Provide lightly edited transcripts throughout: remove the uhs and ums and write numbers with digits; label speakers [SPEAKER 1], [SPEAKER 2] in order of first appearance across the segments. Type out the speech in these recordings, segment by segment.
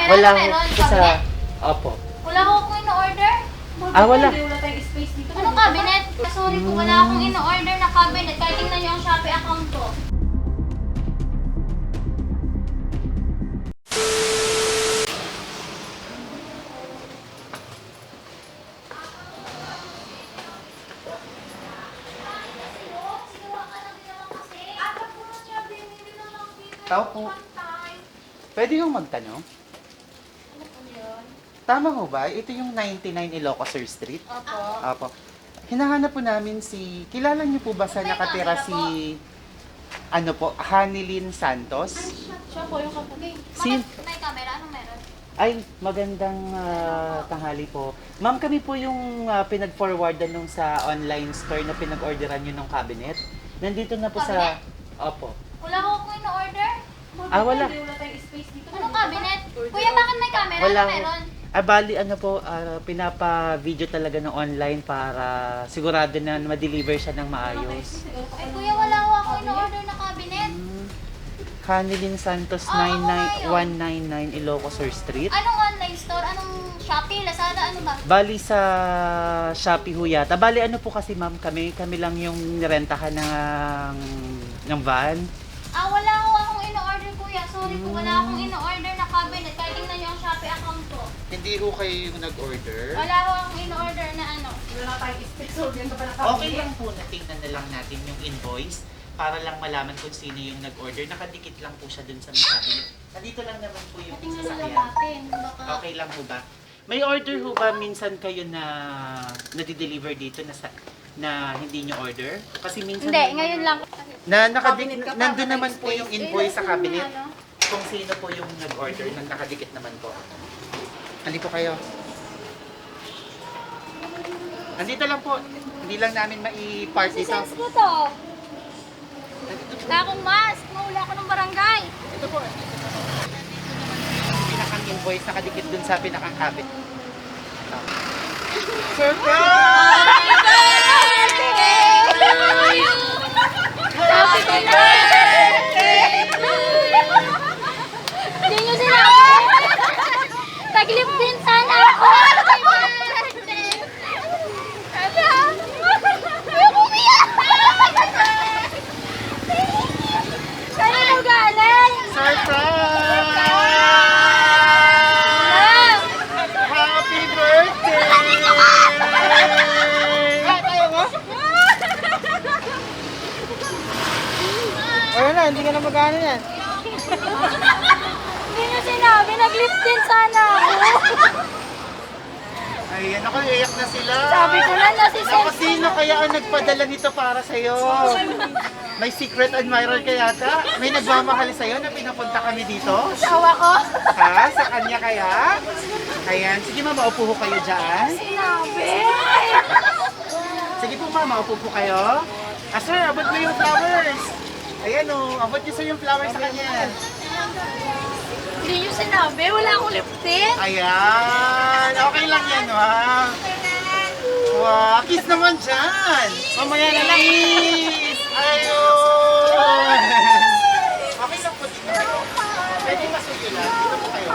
[SPEAKER 1] Wala
[SPEAKER 2] Ano meron?
[SPEAKER 1] sa...
[SPEAKER 2] Cabinet?
[SPEAKER 1] Opo.
[SPEAKER 2] Wala ko akong in-order.
[SPEAKER 1] Wala.
[SPEAKER 3] Wala tayong space dito.
[SPEAKER 2] Anong cabinet? Sorry po, wala akong in-order na cabinet. Kahit tingnan niyo ang Shopee account ko.
[SPEAKER 1] Tao po. Pwede yung magtanong? Tama ho ba? Ito yung 99 Ilocos Street?
[SPEAKER 2] Opo.
[SPEAKER 1] Opo. Hinahanap po namin si... Kilala niyo po ba sa nakatira si... Ano po? Hanilyn Santos?
[SPEAKER 3] Siya po yung kapatid.
[SPEAKER 1] Si...
[SPEAKER 2] May camera? Anong meron?
[SPEAKER 1] Ay, magandang tanghali po. Ma'am, kami po yung pinag-forwardan nung sa online store na pinag-orderan nyo ng cabinet. Nandito na po sa... Opo.
[SPEAKER 2] Wala ko akong in-order.
[SPEAKER 1] Wala.
[SPEAKER 3] Wala tayong space dito.
[SPEAKER 2] Anong cabinet? Kuya, bakit may camera?
[SPEAKER 1] Wala
[SPEAKER 2] Ano
[SPEAKER 1] ho.
[SPEAKER 2] meron?
[SPEAKER 1] Bali, ano po, pinapa-video talaga ng online para sigurado na ma-deliver siya ng maayos.
[SPEAKER 2] Ay, kuya, wala ko akong in-order na cabinet.
[SPEAKER 1] Hanilyn Santos,
[SPEAKER 2] ako nga
[SPEAKER 1] 199 Ilocos Street.
[SPEAKER 2] Anong online store? Anong Shopee? Lazada? Ano ba?
[SPEAKER 1] Bali sa Shopee ho yata. Bali ano po kasi ma'am, kami lang yung nirentahan ng van.
[SPEAKER 2] Wala ko akong in-order, kuya. Sorry po, wala akong in-order na cabinet. Kahit tingnan niyo ang Shopee account ko.
[SPEAKER 1] Hindi ho kayo yung nag-order?
[SPEAKER 2] Wala ko akong in-order na ano.
[SPEAKER 3] Wala tayong space. So, yan pa pala
[SPEAKER 1] Okay lang po na tingnan na lang natin yung invoice para lang malaman kung sino yung nag-order. Nakadikit lang po siya dun sa may cabinet. Nandito lang naman po yung
[SPEAKER 2] Tingnan na lang
[SPEAKER 1] sasakyan.
[SPEAKER 2] natin. Baka...
[SPEAKER 1] Okay lang ho ba? May order ho ba minsan kayo na nadi-deliver dito na hindi nyo order? Kasi minsan...
[SPEAKER 2] Hindi, ngayon lang.
[SPEAKER 1] Nandun naman po yung invoice sa cabinet.
[SPEAKER 2] Ano?
[SPEAKER 1] Kung sino po yung nag-order nang nakadikit naman po. Andito kayo. Andito lang po. Hindi lang namin mai-park dito.
[SPEAKER 2] Sense ko to. Wala akong mask. Mahula ako ng barangay.
[SPEAKER 1] Ito po. Pinakang invoice nakadikit dun sa pinakang cabinet.
[SPEAKER 2] Happy birthday! Hindi nyo sinabi. Taglip din sana ako. Happy birthday! Ayoko umiyak! Kanino galing?
[SPEAKER 1] Surprise! Happy birthday!
[SPEAKER 3] Wala na, hindi ka na magkano yan.
[SPEAKER 2] Hindi nyo sinabi. Naglip din sana ako.
[SPEAKER 1] Ayan, ako, iyak na sila.
[SPEAKER 2] Sabi ko na si
[SPEAKER 1] Ako,
[SPEAKER 2] Sense.
[SPEAKER 1] sino kaya ang nagpadala nito para sa'yo? May secret admirer ka yata? May nagmamahal sa'yo na pinapunta kami dito?
[SPEAKER 2] Asawa ko.
[SPEAKER 1] Ha? Sa kanya kaya? Ayan, sige mama, upo ho kayo dyan.
[SPEAKER 2] Sinabi.
[SPEAKER 1] Sige po mama, upo po kayo. Sir, abot mo yung flowers. Ayan o, abot niyo sir yung flowers sa kanya.
[SPEAKER 2] Hindi nyo sinabi. Wala akong lip tint.
[SPEAKER 1] Ayan, okay lang yan ha. Wow, kiss naman dyan. Mamaya na lang kiss. Ayun. Okay lang po dito. Pwede masuyo lang. Dito po kayo.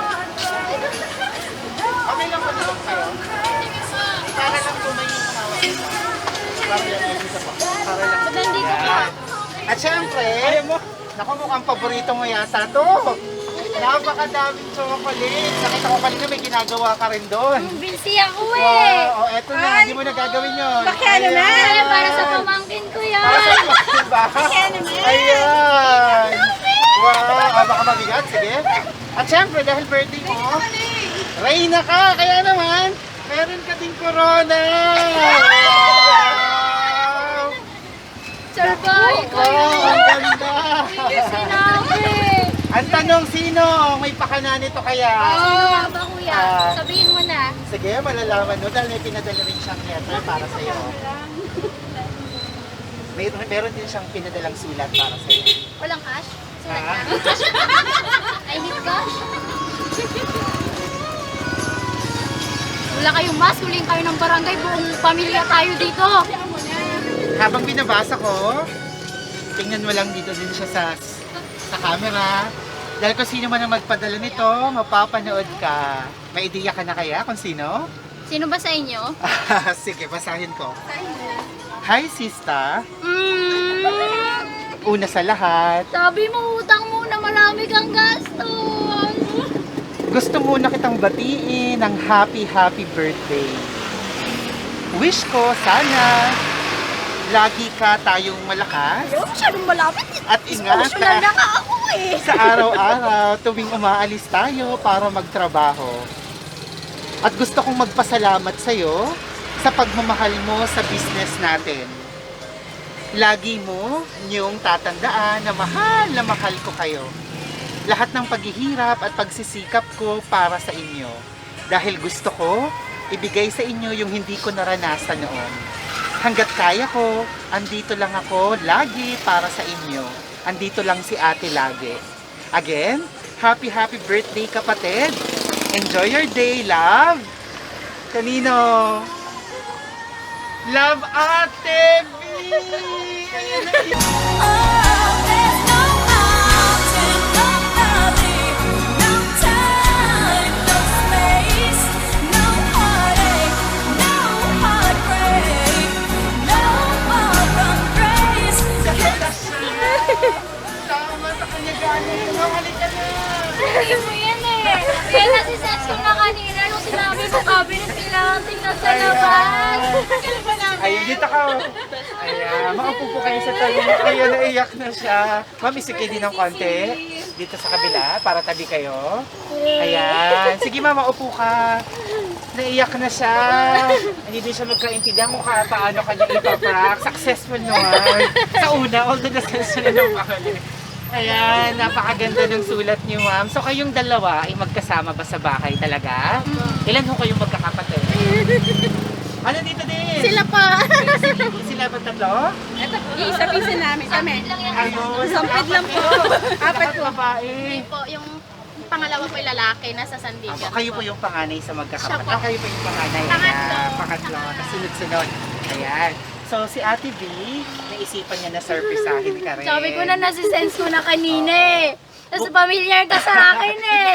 [SPEAKER 1] Okay lang po dito kayo. Para lang po may hawak. Para lang dito po. Para lang.
[SPEAKER 2] Nandito ka.
[SPEAKER 1] At syempre, naku mukhang paborito mo yata to. Napakadaming chocolate. Nakita ko kanina may ginagawa ka rin doon.
[SPEAKER 2] Busy ako eh.
[SPEAKER 1] Wow, eto na, hindi mo nagagawin yun.
[SPEAKER 3] Pakiano na.
[SPEAKER 2] Ay, para sa pamangkin ko yan.
[SPEAKER 1] Para sa pamangkin ba? Ayan. Wow, baka mabigat, sige. At syempre, dahil birthday mo, Reyna ka, kaya naman, meron ka ding corona. Wow!
[SPEAKER 2] Survive ko
[SPEAKER 1] Wow,
[SPEAKER 2] yun.
[SPEAKER 1] ang ganda.
[SPEAKER 2] Sinabi.
[SPEAKER 1] Ang tanong, sino may pakana nito kaya?
[SPEAKER 2] Ba kuya?
[SPEAKER 1] Ah.
[SPEAKER 2] Sabihin mo na.
[SPEAKER 1] Sige, malalaman mo dahil may pinadala rin siyang letter para sa'yo. Meron din siyang pinadalang sulat para sa'yo.
[SPEAKER 2] Walang cash? Sulat
[SPEAKER 1] Ha?
[SPEAKER 2] lang. I need cash. Wala kayong mask. Huling kayo ng barangay. Buong pamilya tayo dito.
[SPEAKER 1] Habang binabasa ko, tingnan mo lang dito din siya sa camera. Dahil kung sino man ang magpadala nito, mapapanood ka. May ideya ka na kaya kung sino?
[SPEAKER 2] Sino ba sa inyo?
[SPEAKER 1] Sige, basahin ko. Hi, sista. Una sa lahat,
[SPEAKER 2] Sabi mo, utang muna, marami kang gastos.
[SPEAKER 1] gusto muna kitang batiin ng happy birthday. Wish ko sana lagi ka tayong malakas
[SPEAKER 2] Ayaw, masyadong malapit.
[SPEAKER 1] at ingat
[SPEAKER 2] Emotional na ka ako eh.
[SPEAKER 1] sa araw-araw tuwing umaalis tayo para magtrabaho. At gusto kong magpasalamat sa'yo sa pagmamahal mo sa business natin. Lagi mo niyong tatandaan na mahal ko kayo. Lahat ng paghihirap at pagsisikap ko para sa inyo. Dahil gusto ko ibigay sa inyo yung hindi ko naranasan noon. Hanggat kaya ko, andito lang ako lagi para sa inyo. Andito lang si ate lagi. Again, happy birthday kapatid. Enjoy your day, love. Kanino? Love ate B! Ayan na yun. Tama sa kanya galing. Halika na.
[SPEAKER 2] Hindi mo yan eh. Kaya nasisense ko na kanina nung sinabi mo cabinet kailangan tingnan sa labas.
[SPEAKER 1] Ayun, dito ka. Ayan, makaupo po kayo sa tayo. Ayun, naiyak na siya. Ma'am, isikay din ng konti. Dito sa kabila, para tabi kayo. Ayan. Sige ma'am, maupo ka. Naiyak na siya. Hindi din siya magkaintindihan kung paano kanya ipaprank. Successful naman. Sa una, although nasa na ng pakali. Ayan, napakaganda ng sulat niyo, ma'am. So, kayong dalawa ay magkasama ba sa bahay talaga? Ilan ho kayong magkakapatid? Ano dito din?
[SPEAKER 3] Sila pa.
[SPEAKER 1] Sila ba tatlo?
[SPEAKER 3] Ito, isa-pisa namin kami.
[SPEAKER 2] Lang yan.
[SPEAKER 1] Ayun,
[SPEAKER 3] Sampid lang po. Apat po.
[SPEAKER 1] babae.
[SPEAKER 3] Po, yung pangalawa po yung lalaki, nasa Sandigan.
[SPEAKER 1] Kayo po yung panganay sa magkakapatid.
[SPEAKER 3] Siya po.
[SPEAKER 1] Kayo po yung panganay.
[SPEAKER 3] Pangatlo.
[SPEAKER 1] Ayan, pangatlo. Kasunod-sunod. Ayan. So, si Ate B, naisipan niya na surprisahin ka rin.
[SPEAKER 2] Sabi ko na nasisense ko na kanina eh. Tapos familiar ka sa akin eh.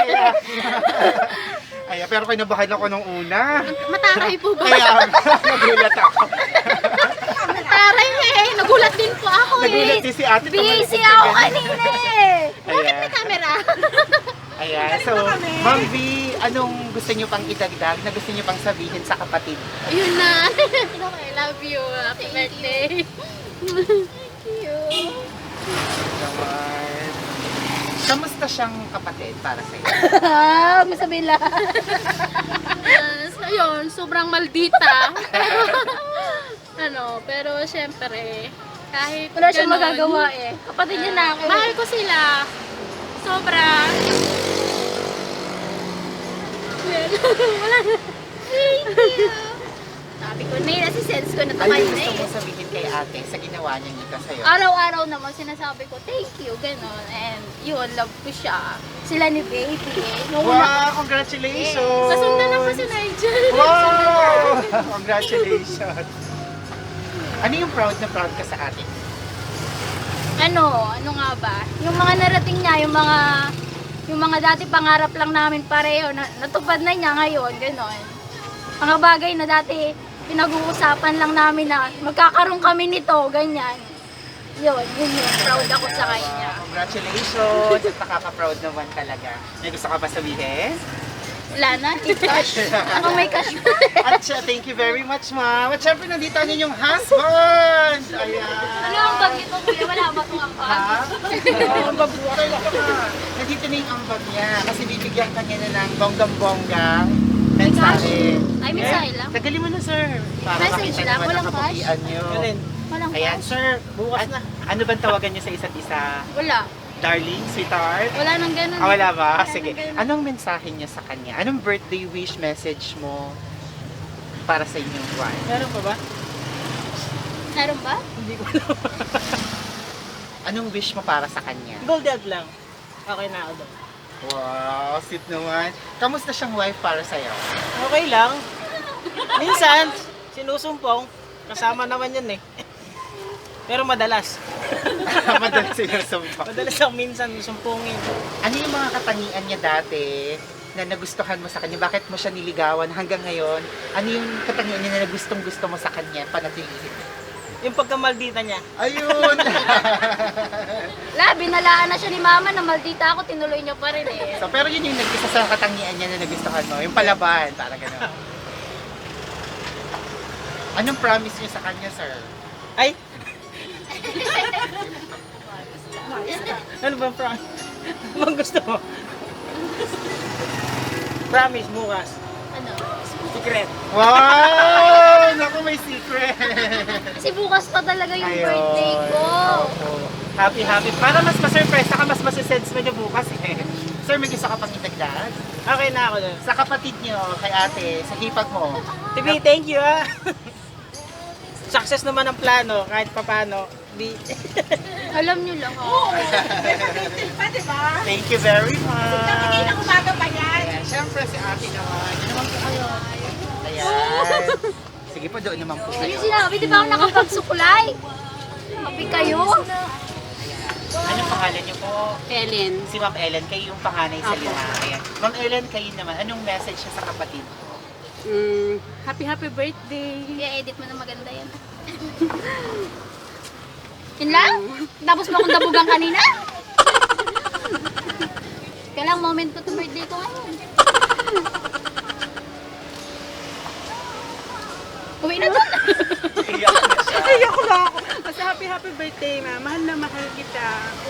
[SPEAKER 1] Ayan, pero kinabahan ako nung una.
[SPEAKER 3] Mataray po ba?
[SPEAKER 1] Kaya, nagulat ako.
[SPEAKER 3] Mataray eh. Nagulat din po ako
[SPEAKER 1] Nagulat
[SPEAKER 3] eh.
[SPEAKER 1] si Ate.
[SPEAKER 2] Busy ako kanina eh.
[SPEAKER 1] Ayan.
[SPEAKER 3] Camera.
[SPEAKER 1] Ayan. So, Ma'am B, anong gusto niyo pang idagdag na gusto niyo pang sabihin sa kapatid?
[SPEAKER 3] Ayun na. I love you. Happy birthday. Thank you.
[SPEAKER 1] Naman. Kamusta siyang kapatid para sa iyo?
[SPEAKER 2] Masabi lang.
[SPEAKER 3] Ayun, sobrang maldita. Pero syempre, kahit
[SPEAKER 2] Wala siyang
[SPEAKER 3] ganun,
[SPEAKER 2] magagawa eh. Kapatid niya na ako.
[SPEAKER 3] Mahal ko sila. Sobra. Wala na. Thank you. Sabi ko na yun, nasisense ko na ito
[SPEAKER 1] Ano
[SPEAKER 3] kayo
[SPEAKER 1] yung
[SPEAKER 3] na
[SPEAKER 1] gusto
[SPEAKER 3] eh.
[SPEAKER 1] mo sabihin kay ate sa ginawa niya nito sa'yo?
[SPEAKER 2] Araw-araw naman sinasabi ko, thank you, gano'n. And yun, love ko siya. Sila ni baby. Nung una,
[SPEAKER 1] Wow! Congratulations!
[SPEAKER 3] Nasundan na po si Nigel.
[SPEAKER 1] Wow! Congratulations! Ano yung proud na proud ka sa ate?
[SPEAKER 2] ano nga ba? Yung mga narating niya, yung mga dati pangarap lang namin pareho, natupad na niya ngayon, gano'n. Mga bagay na dati pinag-uusapan lang namin na magkakaroon kami nito, ganyan. Yun. Proud ako sa kanya.
[SPEAKER 1] Congratulations! At nakaka-proud naman talaga. May gusto ka ba sabihin?
[SPEAKER 2] Wala na, i-cash. Ako may cash pa.
[SPEAKER 1] At siya, thank you very much, ma'am. At syempre, nandito ang inyong husband! Ayan!
[SPEAKER 2] Ano ang bag nito, kuya? Wala ba itong ambag?
[SPEAKER 1] Ha? Oo, babuhay ka. Nandito na yung ambag niya kasi bibigyan ka niya na ng bonggang-bonggang mensahe.
[SPEAKER 2] Ay, mensahe lang?
[SPEAKER 1] Tagalin mo na, sir. Para
[SPEAKER 2] Message
[SPEAKER 1] makita
[SPEAKER 2] lang,
[SPEAKER 1] naman
[SPEAKER 2] walang
[SPEAKER 1] ang kaputian niyo.
[SPEAKER 2] Walang
[SPEAKER 1] Ayan,
[SPEAKER 2] cash?
[SPEAKER 1] sir. Bukas na. Ano bang tawagan niyo sa isa't isa?
[SPEAKER 2] Wala.
[SPEAKER 1] Darling, sweetheart?
[SPEAKER 2] Wala nang ganun.
[SPEAKER 1] Ah, wala ba?
[SPEAKER 2] Wala
[SPEAKER 1] Sige.
[SPEAKER 2] nang ganun.
[SPEAKER 1] Anong mensahe niya sa kanya? Anong birthday wish message mo para sa inyong wife?
[SPEAKER 3] Meron pa ba?
[SPEAKER 2] Meron ba?
[SPEAKER 3] Hindi ko alam.
[SPEAKER 1] Anong wish mo para sa kanya?
[SPEAKER 3] Gold egg lang. Okay na ako doon.
[SPEAKER 1] Wow, sweet naman. Kamusta siyang wife para sa'yo?
[SPEAKER 3] Okay lang. Minsan, sinusumpong. Kasama naman yun eh. Pero madalas.
[SPEAKER 1] Madalas sinusumpa.
[SPEAKER 4] Madalas lang minsan sumpungin.
[SPEAKER 1] Ano yung mga katangian niya dati na nagustuhan mo sa kanya? Bakit mo siya niligawan hanggang ngayon? Ano yung katangian niya na gustong-gusto mo sa kanya? Panatilihin.
[SPEAKER 4] Yung pagkamaldita niya.
[SPEAKER 1] Ayun!
[SPEAKER 2] Binalaan na siya ni mama na maldita ako, tinuloy niya pa rin eh.
[SPEAKER 1] So, pero yun yung nag-isa sa katangian niya na nagustuhan mo. Yung palaban, parang gano'n. Anong promise niyo sa kanya, sir?
[SPEAKER 4] Ay! Ano ba promise? Ano gusto mo? Promise bukas.
[SPEAKER 2] Ano?
[SPEAKER 4] Secret.
[SPEAKER 1] Wow! Naku, may secret!
[SPEAKER 2] Kasi bukas pa talaga yung
[SPEAKER 1] Ayun.
[SPEAKER 2] birthday ko.
[SPEAKER 1] Opo. Happy, happy. Para mas ma-surprise, saka mas masisense mo niyo bukas eh. Sir, may gusto ka pang itagdag?
[SPEAKER 4] Okay na ako dun.
[SPEAKER 1] Sa kapatid niyo, kay ate, sa hipag mo.
[SPEAKER 4] TV, thank you ah. Success naman ang plano kahit papano. Di.
[SPEAKER 2] Alam niyo lang oh.
[SPEAKER 1] Thank you very much.
[SPEAKER 3] Kanina umaga pa yan.
[SPEAKER 1] Ayan, syempre si ate naman. Yun naman po kayo. Ayan. Sige po, doon naman po
[SPEAKER 2] Ano
[SPEAKER 1] kayo.
[SPEAKER 2] sinabi? Di ba ako nakapagsukulay? Happy kayo?
[SPEAKER 1] Anong pangalan niyo po?
[SPEAKER 3] Ellen.
[SPEAKER 1] Si Ma'am Ellen, kayo yung panganay sa lima. Ayan. Ma'am Ellen, kayo naman. Anong message niya sa kapatid?
[SPEAKER 3] Happy birthday.
[SPEAKER 2] I-edit mo na maganda yan. Yun lang? Tapos mo akong dabugan kanina? Kailang moment ko to birthday ko ngayon. Uwi na doon.
[SPEAKER 1] Iyak na siya.
[SPEAKER 5] Ayoko na ako. Basta happy birthday, ma. Mahal na mahal kita.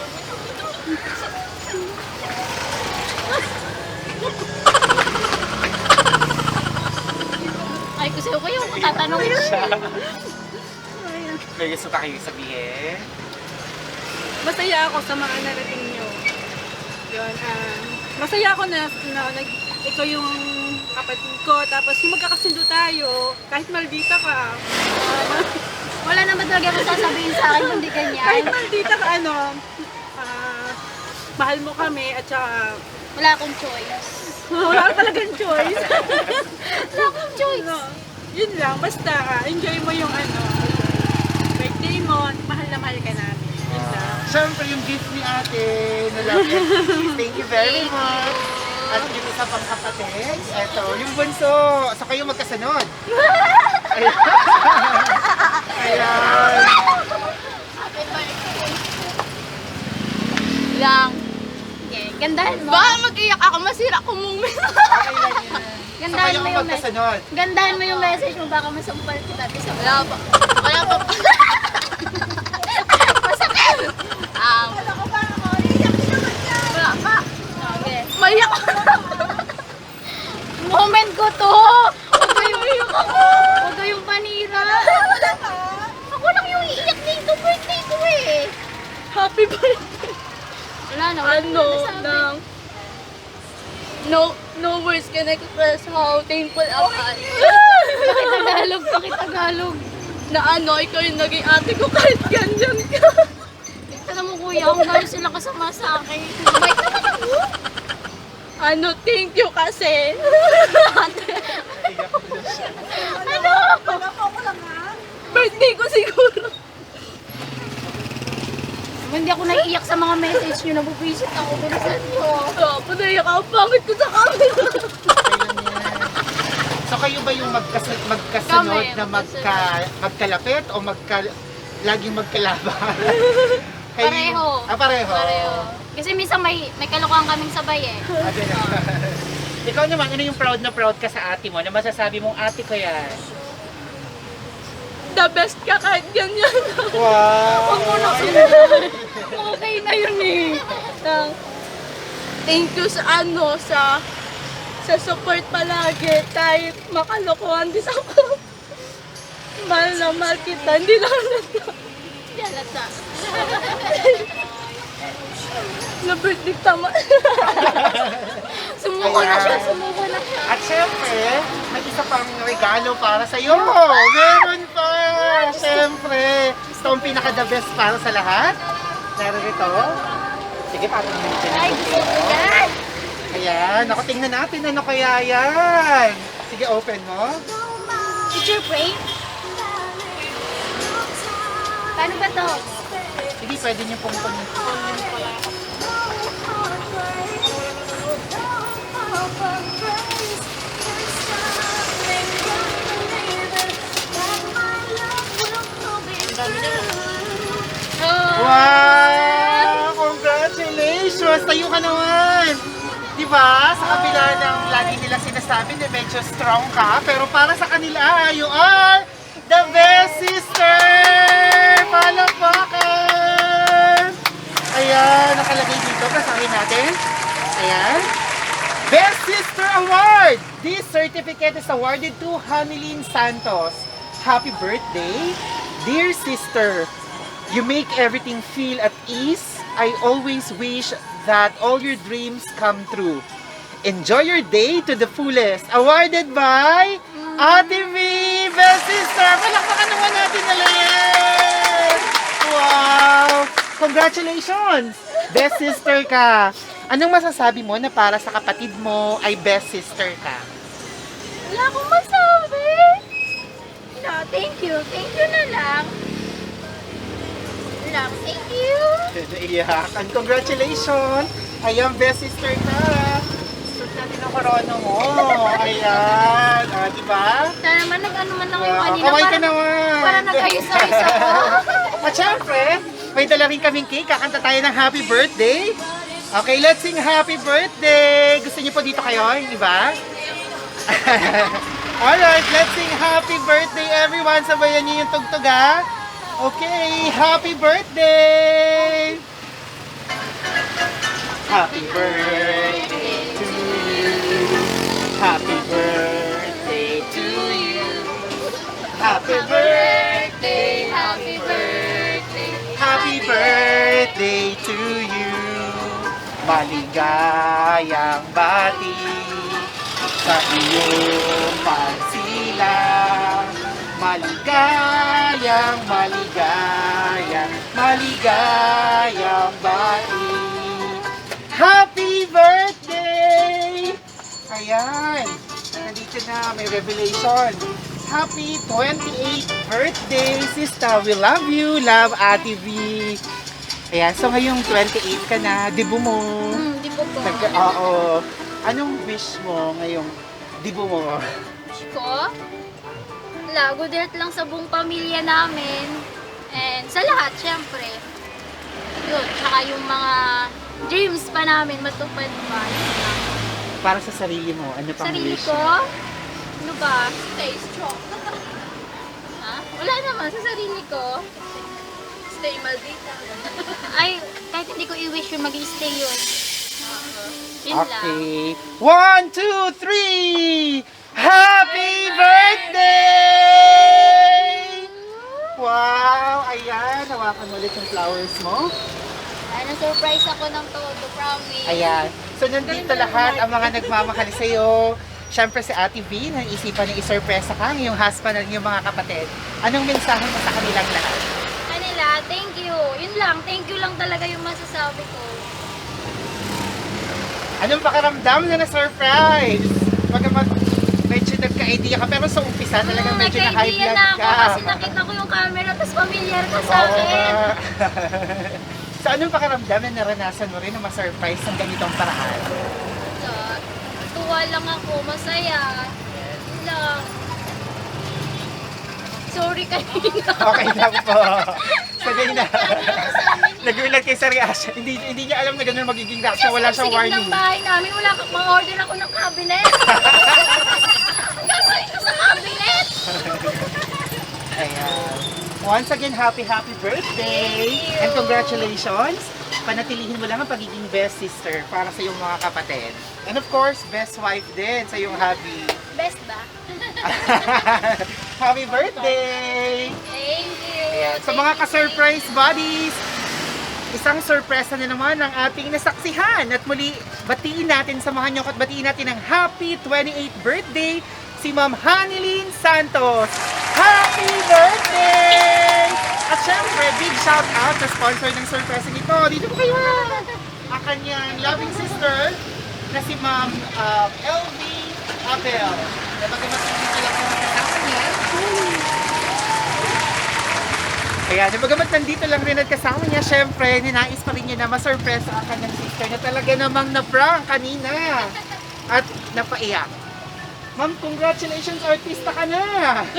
[SPEAKER 2] Ay, kasi ako yung tatanungin siya.
[SPEAKER 1] May gusto pa kayo sabihin?
[SPEAKER 5] Masaya ako sa mga narating nyo. Yun, masaya ako na ikaw yung kapatid ko. Tapos yung magkakasundo tayo, kahit maldita ka.
[SPEAKER 2] Wala naman talaga akong sasabihin sa akin kundi
[SPEAKER 5] Kahit
[SPEAKER 2] ganyan.
[SPEAKER 5] maldita ka, mahal mo kami at saka
[SPEAKER 2] Wala akong choice.
[SPEAKER 5] wala ka talagang choice.
[SPEAKER 2] Wala akong choice.
[SPEAKER 5] No, yun lang, basta enjoy mo yung birthday mo, mahal na mahal ka namin. Yun lang.
[SPEAKER 1] Siyempre, yung gift ni ate na love and peace. Thank you very much. At yung isa pang kapatid, eto, yung bunso. So kayo magkasunod. Ayan. Ayan.
[SPEAKER 2] Lang. Okay, gandahan mo.
[SPEAKER 3] Baka mag-iyak ako, masira ko moment.
[SPEAKER 1] Okay lang yan. So
[SPEAKER 2] Gandahan
[SPEAKER 1] kayo
[SPEAKER 2] mo
[SPEAKER 1] ang
[SPEAKER 2] yung message.
[SPEAKER 1] magkasunod.
[SPEAKER 2] Gandahan mo yung message mo, baka masampal kita.
[SPEAKER 3] Wala pa. Wala pa.
[SPEAKER 2] Masakit!
[SPEAKER 3] Wala pa.
[SPEAKER 2] Okay.
[SPEAKER 3] Maiyak ako.
[SPEAKER 2] Moment ko to! Huwag kayong Huwag kayong panira! Ako lang yung iiyak dito, birthday ko eh!
[SPEAKER 5] Happy birthday!
[SPEAKER 2] Wala na, wala
[SPEAKER 3] Ano,
[SPEAKER 2] na
[SPEAKER 3] nang... No words can express how thankful am I.
[SPEAKER 2] Pakitagalog, pakitagalog.
[SPEAKER 3] Na ano, ikaw yung naging ate ko kahit ganyan ka.
[SPEAKER 2] Ito mo kuya, kung gano'n sila kasama sa akin. Bait naman ako!
[SPEAKER 3] Ano, thank you kasi.
[SPEAKER 2] Ano?
[SPEAKER 3] Birthday ko siguro.
[SPEAKER 2] Hindi ako naiiyak sa mga message nyo, nabubisit ako. Bilisan nyo.
[SPEAKER 3] Panaiyak ako, pangit ko sa camera.
[SPEAKER 1] Okay lang yan. So kayo ba yung magkasunod
[SPEAKER 2] Kami,
[SPEAKER 1] na magkalapit o laging magkalaban? Kayo
[SPEAKER 2] Pareho.
[SPEAKER 1] Pareho.
[SPEAKER 2] Pareho. Kasi minsan may kalokohan kaming sabay eh.
[SPEAKER 1] Ah, ganun. Ikaw naman, ano yung proud na proud ka sa ate mo? Na masasabi mong ate ko yan?
[SPEAKER 3] The best ka kahit ganyan.
[SPEAKER 1] Wow!
[SPEAKER 3] Okay na yun eh. Thank you sa sa support palagi kahit makalokohan din ako. Mahal na mahal kita, hindi lang nata.
[SPEAKER 2] Yalata.
[SPEAKER 3] Na birthday tama.
[SPEAKER 2] Sumuko na siya, sumuko na siya.
[SPEAKER 1] At syempre, may isa pang regalo para sa iyo. Meron pa! Syempre, ito ang pinaka-the best para sa lahat. Narito. Sige, parang natin.
[SPEAKER 2] Ay, gusto ko yan.
[SPEAKER 1] Ayan, ako tingnan natin ano kaya yan. Sige, open mo.
[SPEAKER 2] Picture frame? Paano ba to?
[SPEAKER 1] Sige, pwede niyo pong Wow! Congratulations! Tayo ka naman! Diba? Sa kabila ng lagi nilang sinasabi na medyo strong ka, pero para sa kanila, you are the best sister! Palakpakan! Ayan, nakalagay dito. Basahin natin. Ayan. Best Sister Award! This certificate is awarded to Hanilyn Santos. Happy birthday, dear sister. You make everything feel at ease. I always wish that all your dreams come true. Enjoy your day to the fullest. Awarded by Ate V, Best Sister. Palakpakan naman natin na lang. Wow! Congratulations! Best Sister ka. Anong masasabi mo na para sa kapatid mo ay Best Sister ka?
[SPEAKER 2] Wala akong masabi. No, thank you. Thank you na lang. Lang, thank you.
[SPEAKER 1] Iyak. And congratulations! Ayan, Best Sister ka. Suot natin ang corona mo. Ayan. Ah, diba?
[SPEAKER 2] Sana naman nag-ano man lang yung
[SPEAKER 1] Wow,
[SPEAKER 2] kanina.
[SPEAKER 1] kaway ka naman.
[SPEAKER 2] Para nag-ayos-ayos ako.
[SPEAKER 1] At syempre, may dala rin kaming cake. Kakanta tayo ng happy birthday. Okay, let's sing happy birthday. Gusto niyo po dito kayo, yung iba? Alright, let's sing happy birthday everyone. Sabayan niyo yung tugtog ha. Okay, happy birthday! Happy birthday to you. Happy birthday to you. Happy birthday,
[SPEAKER 2] Happy birthday.
[SPEAKER 1] happy birthday to you. Maligayang bati sa iyong pagsilang. Maligayang, maligayang bati. Happy birthday! Ayan, nandito na, may revelation. Happy 28th birthday, sister. We love you, love Ate V. Ayan, so ngayong 28 ka na, dibu mo.
[SPEAKER 2] Di po po.
[SPEAKER 1] Oo. Anong wish mo ngayong dibu mo?
[SPEAKER 2] Wish ko? Wala, good health lang sa buong pamilya namin. And sa lahat, syempre. Yun, tsaka yung mga dreams pa namin matupad pa. Yun lang.
[SPEAKER 1] Para sa sarili mo, ano pang
[SPEAKER 2] Sarili
[SPEAKER 1] wish
[SPEAKER 2] ko?
[SPEAKER 1] mo?
[SPEAKER 2] Ano ba? Stay strong. Ha? Wala naman, sa sarili ko.
[SPEAKER 3] Stay maldita.
[SPEAKER 2] Ay, kahit hindi ko i-wish yun, mag-i-stay yun. Yun lang.
[SPEAKER 1] Okay. 1, 2, 3! Happy birthday! Wow! Ayan, hawakan mo ulit yung flowers mo.
[SPEAKER 2] Ay, na-surprise ako ng todo, promise.
[SPEAKER 1] Ayan. So, nandito lahat ang mga nagmamahal sa'yo. Siyempre si Ate V, naisipan niya isurpresa ka, yung husband at yung mga kapatid. Anong mensahe mo sa kanilang lahat?
[SPEAKER 2] Kanila, thank you. Yun lang, thank you lang talaga yung masasabi ko.
[SPEAKER 1] Anong pakiramdam na na-surprise? Pagkaman, medyo nagka-idea ka, pero sa umpisa talagang medyo na-high
[SPEAKER 2] Nagka-idea
[SPEAKER 1] blood
[SPEAKER 2] na ako
[SPEAKER 1] ka.
[SPEAKER 2] kasi nakita ko yung camera tapos familiar ka sa
[SPEAKER 1] Oo
[SPEAKER 2] akin.
[SPEAKER 1] nga. So, anong pakiramdam na naranasan mo rin na ma-surprise ng ganitong paraan?
[SPEAKER 2] So, tuwa lang ako, masaya. Yun lang. Sorry kanina.
[SPEAKER 1] Okay lang po. So, ganyan na. Nagulat kay sa reaction. Hindi niya alam na ganun magiging reaction. Wala siyang
[SPEAKER 2] Sige
[SPEAKER 1] warning.
[SPEAKER 2] ng bahay namin, wala kang ma-order ako ng cabinet. Gagawin ko sa cabinet.
[SPEAKER 1] Ayan. Once again, happy birthday!
[SPEAKER 2] Thank you.
[SPEAKER 1] And congratulations! Panatilihin mo lang ang pagiging best sister para sa iyong mga kapatid. And of course, best wife din sa iyong hubby.
[SPEAKER 2] Best ba?
[SPEAKER 1] Happy birthday!
[SPEAKER 2] Thank you.
[SPEAKER 1] Ayan. Sa mga ka-surprise buddies, isang sorpresa na naman ang ating nasaksihan. At muli, batiin natin, samahan niyo at batiin natin ang happy 28th birthday si Ma'am Hanilyn Santos. Happy birthday! At syempre, big shout out sa sponsor ng surpresa nito. Dito po kayo! Ang kanyang loving sister na si Ma'am LV Abel. Na bagamat hindi nila po kasama niya. Ayan, bagamat nandito lang rin at kasama niya, syempre, ninais pa rin niya na masurpresa ang kanyang sister na talaga namang na-prank kanina. At napaiyak. Ma'am, congratulations, artista ka na!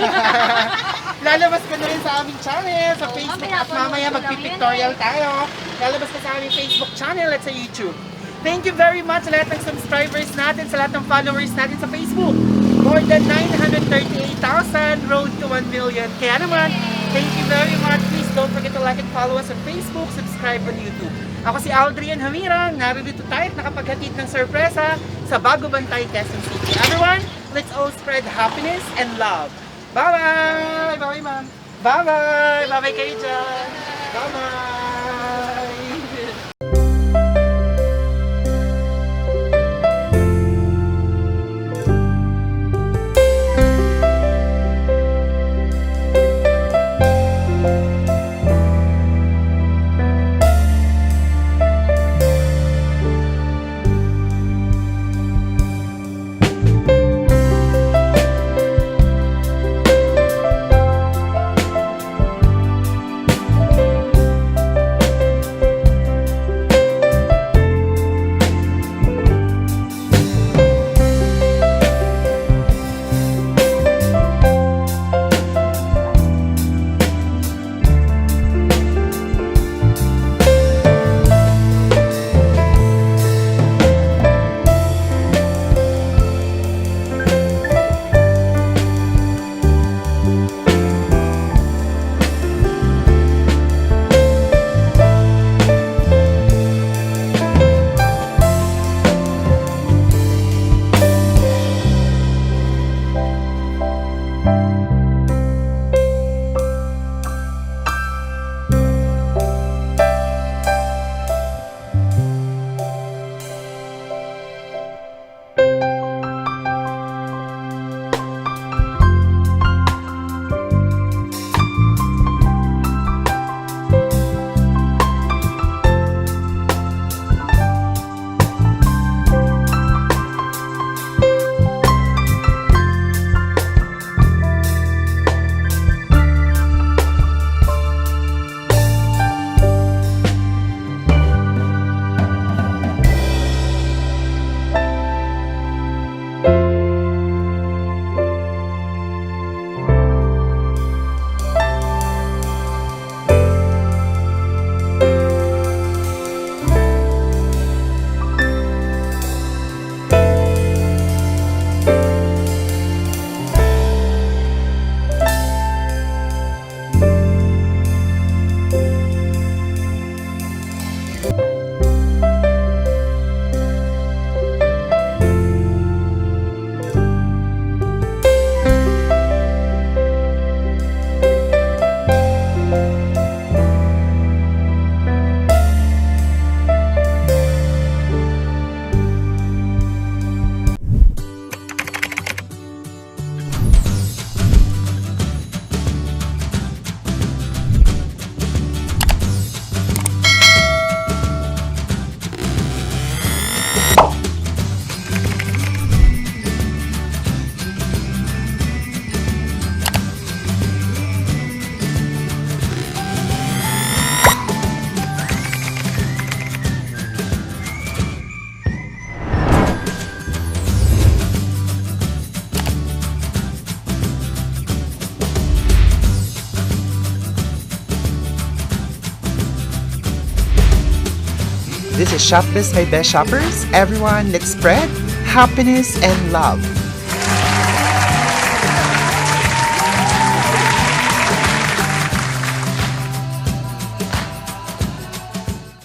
[SPEAKER 1] Lalabas ka na rin sa aming channel, sa Facebook, at mamaya magpipictorial tayo. Lalabas ka sa aming Facebook channel at sa YouTube. Thank you very much sa lahat ng subscribers natin, sa lahat ng followers natin sa Facebook. More than 938,000, road to 1 million. Kaya naman, thank you very much. Please don't forget to like and follow us on Facebook, subscribe on YouTube. Ako si Aldrian Hamirang, narito tayo at nakapaghatid ng sorpresa sa Bago Bantay, Quezon City. Everyone, let's all spread happiness and love. Bye-bye! Bye-bye, ma'am. Bye-bye! Bye-bye kayo dyan. Bye-bye!
[SPEAKER 6] This is Shopbiz by Best Shoppers. Everyone, let's spread happiness and love.